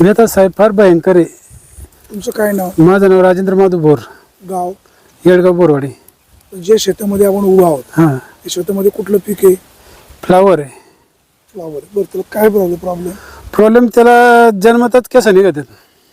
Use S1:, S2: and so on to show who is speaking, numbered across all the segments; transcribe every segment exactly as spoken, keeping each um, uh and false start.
S1: व्यथा साहेब फार भयंकर आहे.
S2: तुमचं काय नाव?
S1: माझं नाव राजेंद्र माधव बोर,
S2: गाव?
S1: येडगाव बोरवाडी.
S2: जे शेतामध्ये आपण उभा आहोत
S1: हां,
S2: त्या शेतामध्ये कुठलं पीक आहे?
S1: फ्लावर आहे.
S2: फ्लावर. बरं, त्याला काय प्रॉब्लेम प्रॉब्लेम
S1: प्रॉब्लेम त्याला जन्मताच केस निघतात.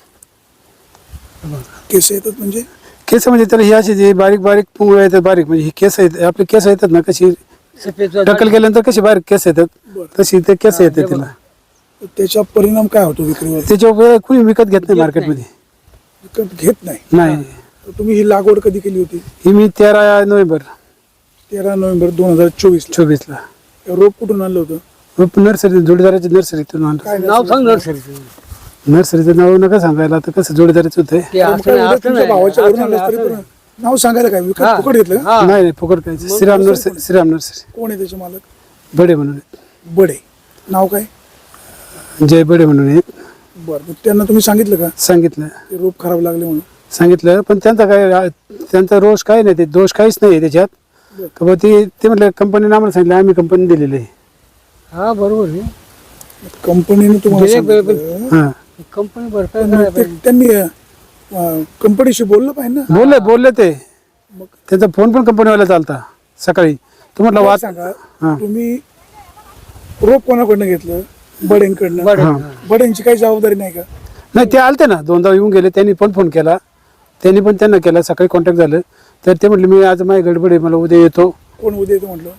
S2: केस येतात म्हणजे?
S1: केस म्हणजे त्याला ही अशी जी बारीक बारीक पुंगळ्या येतात, बारीक म्हणजे ही केस आहेत आपले केस येतात ना, कशी टक्कल केल्यानंतर कशी बारीक केस येतात तशी ते केस येतात त्याला.
S2: त्याचा परिणाम काय होतो विक्रीवर?
S1: त्याच्यावर कुणी विकत घेत नाही मार्केटमध्ये.
S2: विकत घेत नाही?
S1: नाही.
S2: तर तुम्ही ही लागवड कधी केली होती?
S1: ही मी तेरा नोव्हेंबर
S2: तेरा नोव्हेंबर दोन हजार चोवीस
S1: चोवीस ला.
S2: रोप कुठून आणलं होतं?
S1: नर्सरी, जोडीदाराची नर्सरीतून आणलं.
S2: काय
S3: नाव सांग नर्सरीचं.
S1: नर्सरीचं नाव नका सांगायला, आता कसं जोडीदाराचं होतंय.
S3: ते असं
S2: काय
S3: नाही,
S2: उद्या
S3: असं
S2: तुमच्या
S3: नाही,
S2: भावाच्या
S3: असं
S2: वरून आणलं
S3: नाही,
S2: तरी
S3: असं
S2: पण नाव सांगायला काय? विकत फुकट घेतलं का?
S3: हा.
S1: नाही नाही फुकट काय. श्रीराम नर्सरी, श्रीराम नर्सरी
S2: कोण आहे त्याचे मालक?
S1: बडे म्हणून आहेत.
S2: बडे. नाव काय?
S1: जय बडे म्हणून आहेत.
S2: बरं, मग त्यांना तुम्ही सांगितलं का
S1: सांगितलं
S2: ते रोप खराब लागले म्हणून?
S1: सांगितलं पण त्यांचा काय, त्यांचा रोष काय नाही, ते दोष काहीच नाही त्याच्यात. का बा ते ते म्हटलं कंपनीने आम्हाला सांगितलं, आम्ही कंपनी दिलेली आहे.
S3: हा बरोबर आहे.
S2: कंपनीने तुम्हाला
S3: दिले बे-
S2: सांगितलं.
S1: हां,
S3: कंपनी भरपाई
S2: पण
S3: करायला
S2: मग ते-
S3: पाहिजे.
S2: त्यांनी अं, कंपनीशी बोललं पाहिजे ना.
S1: बोलले बोलले ते. त्यांचा फोन पण कंपनीवाला चालता सकाळी. तू म्हटलं
S2: मला
S1: वाच.
S2: सांगा,
S1: हां.
S2: तुम्ही रोप कोणाकडनं घेतलं? बडेंकडनं.
S3: बडे.
S1: हां.
S2: बडेंची काही जबाबदारी नाही का?
S1: नाही ते आलते ना, दोनदा येऊन गेले. त्यांनी पण फोन केला, त्यांनी पण त्यांना केला. सकाळी कॉन्टॅक्ट झालं तर ते म्हटले मी आज माझी गडबड आहे, मला उद्या येतो.
S2: कोण उद्या येतो म्हटलं?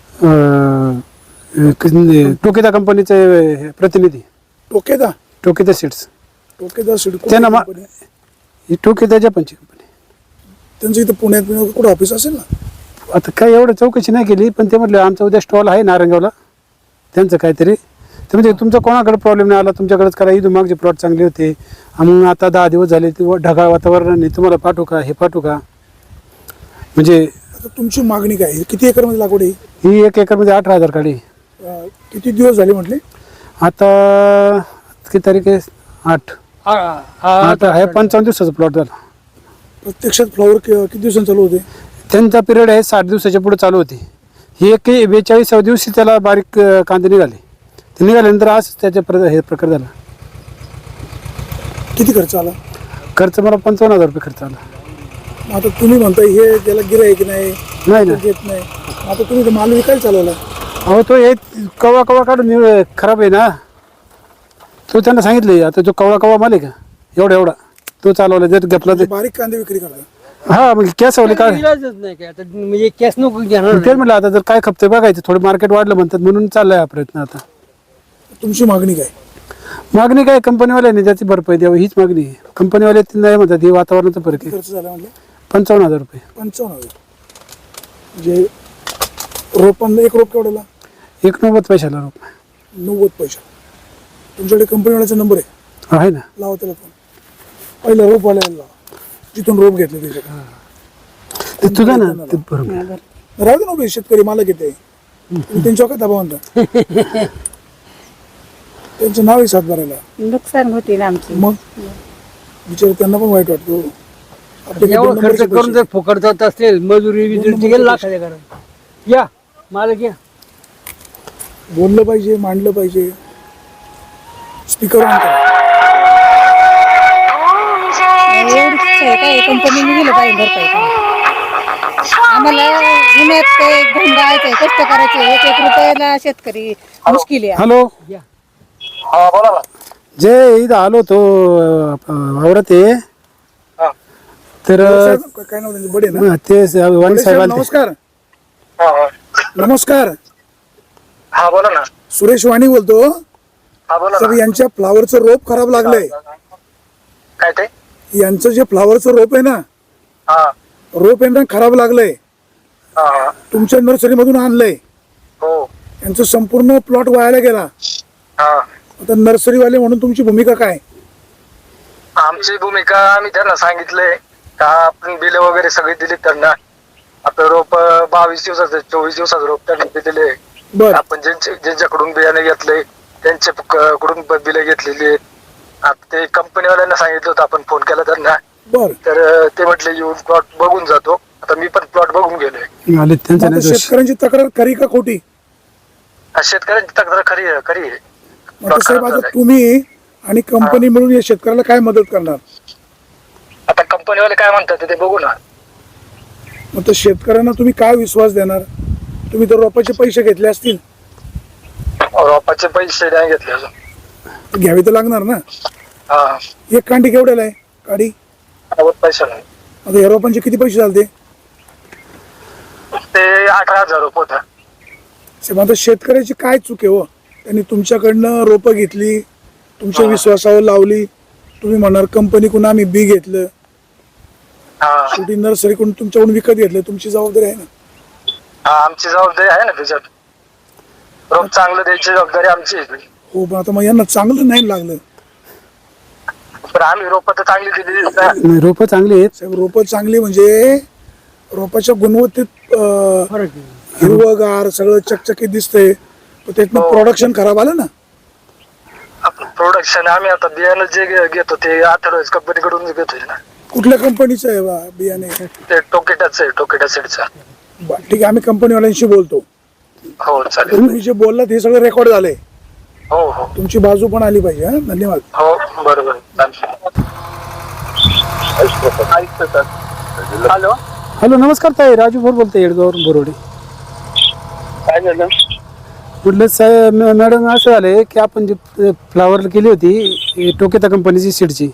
S1: अं, क- टोकिता कंपनीचे प्रतिनिधी,
S2: टोकेदा?
S1: टोकिता सीड्स.
S2: टोकेदा सीड
S1: त्यांना मा- ही टोकिताच्या पंची कंपनी.
S2: त्यांचं इथं पुण्यात पुण्यात कुठं ऑफिस असेल ना?
S1: आता काय एवढं चौकशी नाही केली, पण ते म्हटलं आमचा उद्या स्टॉल आहे नारंगावला त्यांचं काहीतरी. ते म्हणजे तुमचा कोणाकडे प्रॉब्लेम नाही आला, तुमच्याकडेच करा. इथून मागचे प्लॉट चांगले होते, मग आता दहा दिवस झाले ते ढगाळ वातावरण नाही, तुम्हाला पाठवू का, हे पाठवू का. म्हणजे
S2: आता तुमची मागणी काय आहे? किती एकरमध्ये लागवड आहे?
S1: ही एक एकरमध्ये अठरा हजार काढी.
S2: अं, किती दिवस झाले म्हटले?
S1: आता किती तारीख आहे? आठ.
S3: हा, हा,
S1: आता आहे पंचावन्न दिवसाचा प्लॉट झाला.
S2: प्रत्यक्षात फ्लॉवर किती दिवसांनी चालू होते?
S1: त्यांचा पिरियड आहे साठ दिवसाच्या पुढे चालू होती. ही एक बेचाळीसाव्या दिवशी त्याला बारीक अं, कांदे निघाले. ते निघाल्यानंतर आज त्याच्या प्र हे प्रकार झाला.
S2: किती खर्च आला?
S1: खर्च मला पंचावन्न हजार रुपये खर्च आला.
S2: मग आता तुम्ही म्हणताय हे त्याला गिऱ्हाईक नाही,
S1: नाही ना,
S2: घेत नाही. मग आता तुम्ही तो माल विकायला चालवला?
S1: अहो तो हे कवा कवा काढून निळ- खराब आहे ना. तो त्यांना सांगितले, आता जो कवळा कवा माल आहे का एवढा एवढा तो चालवला, जर घेतला तर.
S2: बारीक कांदे विक्री करता?
S1: हा मग कॅस आवले काय
S3: इलाजच नाही काय आता, म्हणजे कॅश नको घेणार
S1: ते म्हटलं आता जर काय खपते बघायचं, थोडं मार्केट वाढलं म्हणतात म्हणून चाललाय हा प्रयत्न. आता
S2: तुमची मागणी काय?
S1: मागणी काय, कंपनीवाल्याने त्याची भरपाई द्यावी हीच मागणी आहे. कंपनीवाले ते नाही म्हणतात, हे वातावरणाचा फरक
S2: किती
S1: आहे.
S2: खर्च झाला म्हटलं?
S1: पंचावन्न हजार रुपये.
S2: पंचावन्न हजार. म्हणजे रोपांना एक रोप केवढ्याला?
S1: एक नव्वद पैशाला रुपये
S2: नव्वद पैसा. तुमच्याकडे कंपनीवाल्याचा नंबर आहे?
S1: आहे ना.
S2: लावा त्याला फोन. पहिला रोप वाल्याला लावा, जिथून रोप घेतले त्याच्याकडे.
S1: ते तुझा ना ते बरोबर.
S2: राहू दे ना उभे, शेतकरी मालक येते, तुम्ही त्यांच्यावर काय दबाव आणता? त्यांचं नाव आहे सातबाराला.
S4: नुकसान होते ना आमची.
S2: मग बिचारे त्यांना पण वाईट वाटतो. आपले
S3: एवढं
S2: दोन
S3: खर्च
S2: नंबरचे
S3: करून
S2: पैसे.
S3: जर फुकट जात असेल, मजुरी बिजुरी गेलं लाखाच्या घरात. या मालक या.
S2: बोललं पाहिजे, मांडलं पाहिजे. स्पीकर ऑन करा.
S4: एवढीच इच्छा आहे काय कंपनीने दिलं पाहिजे भरपाई करून. आम्हाला उन्हात ते घुम राहायचंय, कष्ट करायचे, एक एक रुपयाला शेतकरी मुश्किल आहे.
S1: हॅलो
S3: या.
S5: हा बोला ना.
S1: जे इथं आलो तो आवरत आहे
S5: हा.
S1: तर
S2: साहेब, काय नाव त्यांचं? बडे ना?
S1: अं, ते वाणी
S2: बडे
S1: साहेब
S2: साहेब,
S1: आले.
S2: नमस्कार.
S5: हा हा
S2: नमस्कार,
S5: हा बोला ना.
S2: सुरेश वाणी बोलतो.
S5: हा बोला
S2: तर
S5: ना.
S2: यांच्या फ्लावरचं रोप खराब लागलंय.
S5: काय ते?
S2: यांचं जे फ्लावरचं रोप आहे ना,
S5: हा
S2: रोप यांना खराब लागलंय.
S5: हा हा.
S2: तुमच्या नर्सरी मधून आणलंय.
S5: हो.
S2: यांचं संपूर्ण प्लॉट वायाला गेला.
S5: हा.
S2: आता नर्सरीवाले म्हणून तुमची भूमिका काय?
S5: आमची भूमिका, आम्ही त्यांना सांगितलंय का आपण बिल वगैरे सगळी दिली त्यांना. आपलं रोप अं, बावीस दिवसाचं चोवीस दिवसाचं रोप त्यांना दिलेले.
S2: बर,
S5: आपण ज्यांचे ज्यांच्याकडून बियाणे घेतले त्यांच्या क- कडून बिले घेतलेली आहेत. आता ते कंपनीवाल्यांना सांगितलं होतं, आपण फोन केला त्यांना.
S2: बर.
S5: तर अं, ते म्हटले येऊन प्लॉट बघून जातो. आता मी पण प्लॉट बघून गेलोय.
S1: आले त्यांचा
S2: आता
S1: नाही दोष.
S2: शेतकऱ्यांची तक्रार खरी का खोटी?
S5: हा, शेतकऱ्यांची तक्रार खरी आहे खरी आहे.
S2: आता साहेब, आता तुम्ही आणि कंपनी मिळून या शेतकऱ्याला काय मदत करणार?
S5: आता कंपनीवाले काय म्हणतात ते बघू ना.
S2: मग तर शेतकऱ्यांना तुम्ही काय विश्वास देणार? तुम्ही तर रोपाचे पैसे घेतले असतील,
S5: रोपाचे पैसे नाही घेतले अजून.
S2: घ्यावे तर लागणार ना.
S5: हा
S2: एक कांडी केवढ्याला आहे काडी?
S5: पैसा नाही.
S2: आता या रोपांचे किती पैसे झाले?
S5: ते अठरा हजार रुपये होता.
S2: साहेब आता शेतकऱ्याची काय चूक आहे हो? त्यांनी तुमच्याकडनं रोपं घेतली, तुमच्या विश्वासावर लावली, तुम्ही म्हणणार कंपनीकडून आम्ही बी घेतलं,
S5: हा
S2: शेवटी नर्सरीकडून तुमच्याकडून विकत घेतलं, तुमची जबाबदारी आहे ना.
S5: हा आमची जबाबदारी आहे ना त्याच्यात. रोप चांगलं द्यायची जबाबदारी आमची आहे.
S2: हो पण आता मग यांना चांगलं नाही लागलं.
S5: पण आम्ही रोप तर चांगली दिली ना.
S1: नाही, रोपं चांगली आहेत.
S2: साहेब रोपं चांगली म्हणजे रोपाच्या गुणवत्तेत अं,
S3: फरक आहे.
S2: हिरवगार सगळं चकचकीत दिसतंय, पण त्यातनं प्रोडक्शन खराब आलं ना.
S5: प्रोडक्शन आम्ही आता बियाणं जे घे- घेतो ते अथर्वज कंपनीकडून घेतोय ना.
S2: कुठल्या कंपनीचं आहे बा बियाणे?
S5: ते टोकेटाच आहे, टोकेटा सीडचा.
S2: बा, ठीक आहे, आम्ही कंपनीवाल्यांशी बोलतो.
S5: हो चालेल.
S2: तुम्ही जे बोललात हे सगळं रेकॉर्ड झालंय,
S5: हो हो
S2: तुमची बाजू पण आली पाहिजे. हा धन्यवाद.
S5: हो बरोबर हॅलो
S1: हॅलो नमस्कार ताई, राजू भोर बोलतोय येडगावरून बोरोडे.
S5: काय झालं?
S1: म्हटलं साहेब मॅ- मॅडम असं झालंय की आपण जी फ्लावर केली होती ही टोकेता कंपनीची सीडची,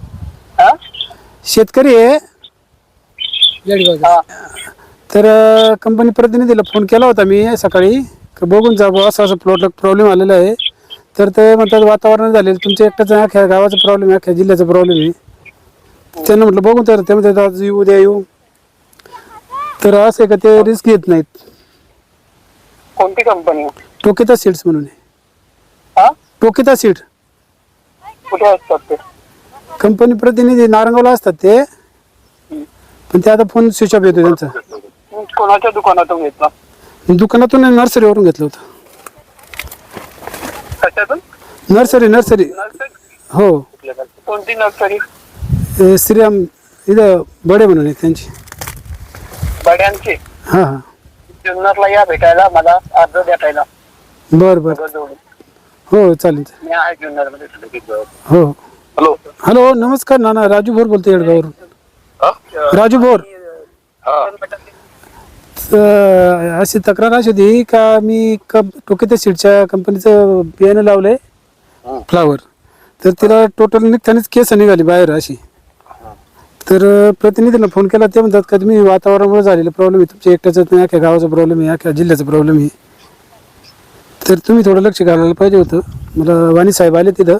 S1: शेतकरी आहे
S3: जळगावचा.
S1: तर अं, कंपनी प्रतिनिधीला फोन केला होता मी सकाळी का बघून जा बुवा, असं असं प्लॉटला प्रॉब्लेम आलेला आहे. तर ते म्हणतात वातावरण झाले तुमच्या एकट्याच अख्ख्या गावाचा प्रॉब्लेम आहे, अख्ख्या जिल्ह्याचा प्रॉब्लेम आहे. त्यांना म्हटलं बघून तर ते म्हणतात आज येऊ उद्या येऊ. तर असं आहे का ते रिस्क घेत नाहीत.
S5: कोणती कंपनी?
S1: टोकेता सीड्स म्हणून आहे.
S5: हा
S1: टोकेता सीड
S5: कुठे असतात ते?
S1: कंपनी प्रतिनिधी नारंगावला असतात ते, पण ते आता फोन स्विच ऑफ येतो त्यांचा.
S5: कोणाच्या दुकानातून घेतला?
S1: दुकानातून नर्सरीवरून घेतलं होतं.
S5: कशातून?
S1: नर्सरी नर्सरी हो.
S5: कोणती नर्सरी?
S1: ए, श्रीराम इथं बडे म्हणून आहे त्यांची.
S5: बड्यांची?
S1: हां हां
S5: जुन्नरला या भेटायला, मला अर्ज द्यायला.
S1: बरं बरं हो चालेल.
S5: मी आहे जुन्नर मध्ये.
S1: हो
S5: हॅलो
S1: हॅलो नमस्कार नाना, राजू भोर बोलतो येडगावरून. राजू भोर. तर अशी तक्रार अशी होती का मी कप टोकेता सीडच्या कंपनीचं बियाणं लावलंय फ्लावर, तर तिला टोटल निघतानाच केस निघाली बाहेर अशी. तर प्रतिनिधीला फोन केला, ते म्हणतात का तुम्ही वातावरणामुळे झालेला प्रॉब्लेम आहे, तुमच्या एकट्याचाच नाही अख्ख्या गावाचा प्रॉब्लेम आहे, अख्ख्या जिल्ह्याचा प्रॉब्लेम आहे. तर तुम्ही थोडं लक्ष घालायला पाहिजे होतं. मला वाणी साहेब आले तिथं.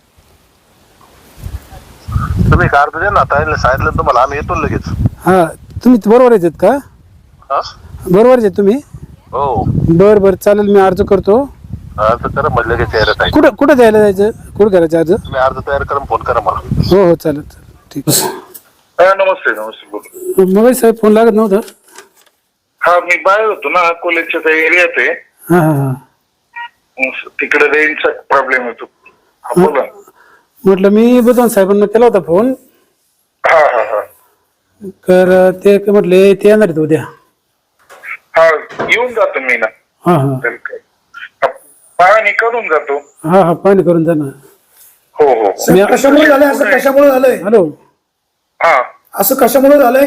S6: तुम्ही कार्ड द्या ना, ताईला सांगितलं तुम्हाला, आम्ही येतो लगेच.
S1: हां तुम्ही बरोबर आहेत का?
S6: हा?
S1: बरोबर आहेत तुम्ही?
S6: हो
S1: बरं बरं चालेल, मी अर्ज करतो.
S6: अर्ज करा मग लगेच यायला ताई.
S1: कुठं कुठं द्यायला जायचं, कुठं करायचं अर्ज?
S6: तुम्ही अर्ज तयार करून फोन करा मला.
S1: हो हो चालेल चालेल ठीक आहे.
S7: नमस्ते नमस्ते बोल.
S1: मग साहेब फोन लागत नव्हतं.
S7: हा मी बाहेर होतो ना, अकोल्याच्या त्या एरियात आहे.
S1: हां हां हां
S7: तिकडे रेंजचा प्रॉब्लेम येतो. हा बोला.
S1: म्हटलं मी बुधवार साहेबांना केला होता फोन,
S7: हा हा हा
S1: तर ते काय म्हटले ते येणार आहेत उद्या.
S7: हा येऊन जातो मी ना.
S1: हां हां
S7: पाणी करून जातो.
S1: हां हां पाणी करून जा ना.
S7: हो हो
S2: साहेब, कशामुळे झालंय असं? कशामुळे झालंय
S1: हॅलो
S7: हा
S2: असं? कशामुळे झालंय?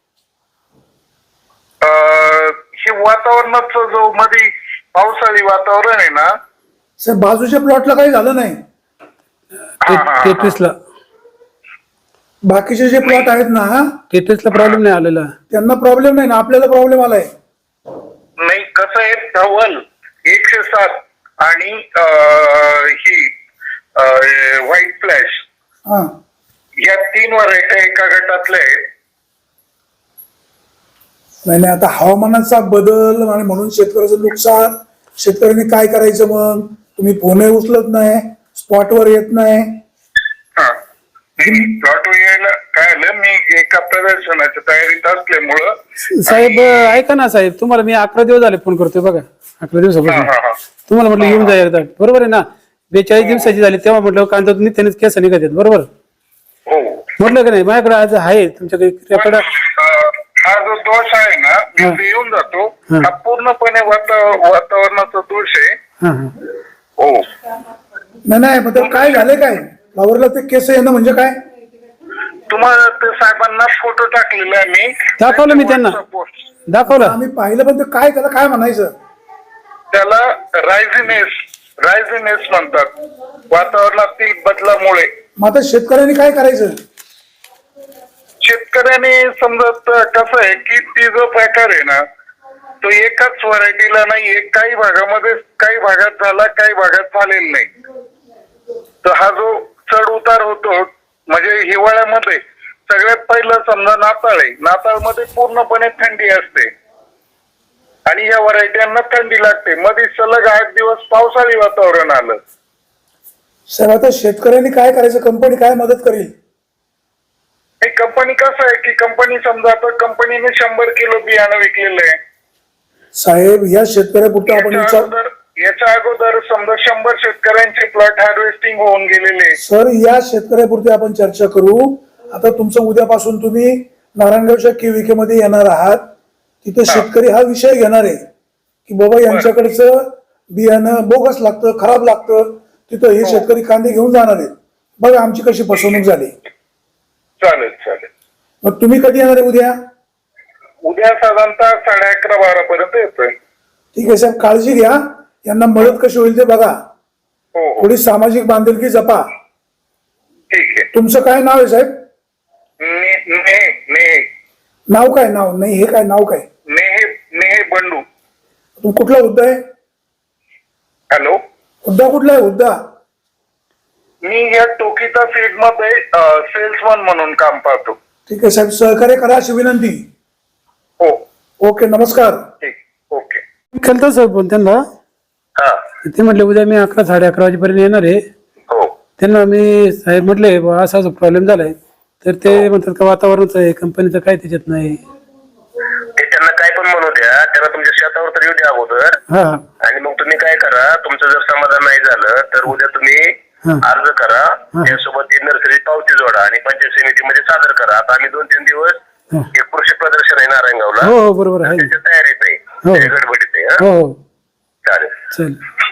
S7: अं, हे वातावरणाचं जो मध्ये पावसाळी वातावरण आहे ना.
S2: साहेब बाजूच्या प्लॉटला काही झालं नाही,
S7: हा, हा, हा.
S1: टेट्रिसला
S2: बाकीचे जे प्लॉट आहेत ना
S1: टेट्रिसला प्रॉब्लेम नाही आलेला.
S2: त्यांना प्रॉब्लेम नाही ना, आपल्याला प्रॉब्लेम आलाय.
S7: नाही कसं आहे, धवल एकशे सात आणि अं, ही व्हाईट फ्लॅश
S2: हा
S7: या तीन व्हरायटी एका गटातल्या आहेत.
S2: नाही नाही, आता हवामानाचा बदल आणि म्हणून शेतकऱ्याचं नुकसान. शेतकऱ्यांनी काय करायचं मग? तुम्ही फोनही उचलत नाही, स्पॉटवर येत नाही.
S7: हा प्लॉट यायला काय आलं, मी एका प्रदर्शनाच्या तयारीत असल्यामुळं.
S1: साहेब ऐका ना साहेब, तुम्हाला मी अकरा दिवस झाले फोन करतोय बघा, अकरा
S7: हा
S1: दिवसापासून
S7: हा हा
S1: तुम्हाला म्हटलं येऊन जा एकदा, बरोबर आहे ना? बेचाळीस दिवसाची झाली तेव्हा म्हटलं कांदा त्यानेच केस निघत आहेत, बरोबर
S7: हो.
S1: म्हटलं का नाही? माझ्याकडे आज आहे तुमच्याकडे रेकॉर्ड.
S7: अं, हा जो दोष आहे ना, मी
S1: हा.
S7: ते येऊन जातो.
S1: हा.
S7: हा पूर्णपणे वाता- वातावरणाचा दोष आहे.
S1: हां हां
S7: हो
S2: नाही नाही, मग त्याला काय झालंय काय? फ्लावरला ते केस येणं म्हणजे काय?
S7: तुम्हाला ते साहेबांना फोटो टाकलेला आहे मी.
S1: दाखवलं मी त्यांना.
S7: WhatsApp-वर.
S1: दाखवलं.
S2: आम्ही पाहिलं पण ते काय त्याला काय म्हणायचं?
S7: त्याला रायझिनेस रायझिनेस म्हणतात, वातावरणातील बदलामुळे.
S2: मग आता शेतकऱ्यांनी काय करायचं?
S7: शेतकऱ्याने समजत कसं आहे की ती जो प्रकार आहे ना तो एकाच व्हरायटीला नाहीये, काही भागामध्ये काही भागात झाला, काही भागात झालेला नाही. तर हा जो चढ उतार होतो म्हणजे हिवाळ्यामध्ये सगळ्यात पहिलं समजा नाताळ आहे, नाताळमध्ये पूर्णपणे थंडी असते आणि या व्हरायट्यांना थंडी लागते. मध्ये सलग आठ दिवस पावसाळी वातावरण आलं.
S2: सर आता शेतकऱ्यांनी काय करायचं? कंपनी काय मदत करेल?
S7: हे कंपनी कसं आहे की कंपनी समजा आता कंपनीने शंभर किलो बियाणं विकलेलं आहे.
S2: साहेब या शेतकऱ्यापुरतं आपण
S7: याच्या
S2: विचार
S7: अगोदर याच्या अगोदर समजा शंभर शेतकऱ्यांचे प्लॉट हार्वेस्टिंग होऊन गेलेले.
S2: सर या शेतकऱ्यापुरती आपण चर्चा करू. आता तुमचं उद्यापासून तुम्ही नारायणगावच्या केविके मध्ये येणार आहात, तिथे शेतकरी हा विषय घेणार आहे की बाबा यांच्याकडचं बियाणं बोगस लागतं, खराब लागतं. तिथं हे शेतकरी कांदे घेऊन जाणार आहेत. बघा आमची कशी फसवणूक झाली.
S7: चालेल चालेल.
S2: मग तुम्ही कधी येणार आहे? उद्या.
S7: उद्या साधारणतः साडे अकरा बारा पर्यंत येतोय.
S2: ठीक आहे साहेब, काळजी घ्या. यांना मदत कशी होईल ते बघा.
S7: हो हो
S2: थोडी सामाजिक बांधिलकी जपा.
S7: ठीक आहे.
S2: तुमचं काय नाव आहे साहेब?
S7: ने ने ने
S2: नाव काय? नाव नाही, हे काय नाव काय?
S7: नेहे नेहे बंडू.
S2: तू कुठला हुद्दा आहे?
S7: हॅलो,
S2: हुद्दा कुठला आहे? हुद्दा
S7: मी या टोकिता फील्ड मध्ये सेल्समन म्हणून काम पाहतो.
S2: ठीक आहे साहेब, सहकार्य करा अशी विनंती.
S7: हो
S2: ओके, नमस्कार.
S7: ठीक. ओके.
S1: केलं सर पण त्यांना.
S7: हा.
S1: ते म्हटले उद्या मी अकरा साडे अकरा वाजेपर्यंत येणार आहे.
S7: हो.
S1: त्यांना मी साहेब म्हटले बुवा असा असा प्रॉब्लेम झालाय, तर ते म्हणतात का वातावरणच आहे, कंपनीचं काय त्याच्यात नाही.
S6: ते त्यांना काय पण म्हणू द्या, त्यांना तुमच्या शेतावर तर येऊ द्या अगोदर.
S1: हा
S6: आणि मग तुम्ही काय करा, तुमचं जर समाधान नाही झालं तर उद्या तुम्ही
S1: हा.
S6: अर्ज करा, त्यासोबत ती नर्सरी पावती जोडा आणि पंचायत समितीमध्ये सादर करा. आता आम्ही दोन तीन दिवस
S1: हा.
S6: एक कृषी प्रदर्शन आहे नारायणगावला,
S1: हो हो बरोबर आहे.
S6: त्याच्या तयारीत आहे,
S1: हो.
S6: त्याच्या गडबडीत आहे.
S1: हो
S6: हा?
S1: हो
S6: चालेल.
S1: चल.